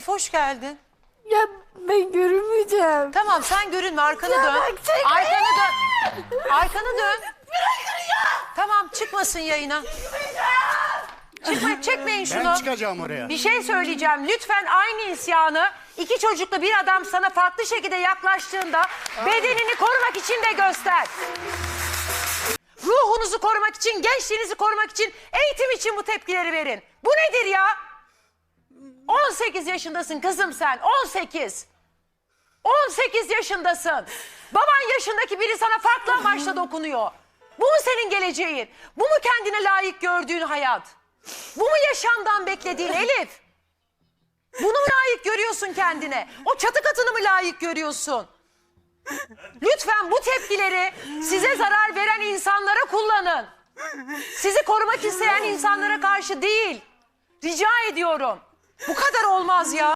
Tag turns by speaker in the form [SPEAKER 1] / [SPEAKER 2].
[SPEAKER 1] Elif hoş geldin.
[SPEAKER 2] Ya ben görünmeyeceğim.
[SPEAKER 1] Tamam sen görünme, arkanı
[SPEAKER 2] Ya
[SPEAKER 1] dön.
[SPEAKER 2] bak, çekil.
[SPEAKER 1] Arkanı dön. Arkanı dön. Tamam çıkmasın yayına. Çekmeyin şunu.
[SPEAKER 3] Ben çıkacağım oraya.
[SPEAKER 1] Bir şey söyleyeceğim. Lütfen aynı isyanı iki çocuklu bir adam sana farklı şekilde yaklaştığında bedenini korumak için de göster. Ruhunuzu korumak için, gençliğinizi korumak için, eğitim için bu tepkileri verin. Bu nedir ya? 18 yaşındasın kızım sen. 18. 18 yaşındasın. Baban yaşındaki biri sana farklı amaçla dokunuyor. Bu mu senin geleceğin? Bu mu kendine layık gördüğün hayat? Bu mu yaşamdan beklediğin Elif? Bunu mu layık görüyorsun kendine? O çatı katını mı layık görüyorsun? Lütfen bu tepkileri size zarar veren insanlara kullanın. Sizi korumak isteyen insanlara karşı değil. Rica ediyorum. Bu kadar olmaz ya.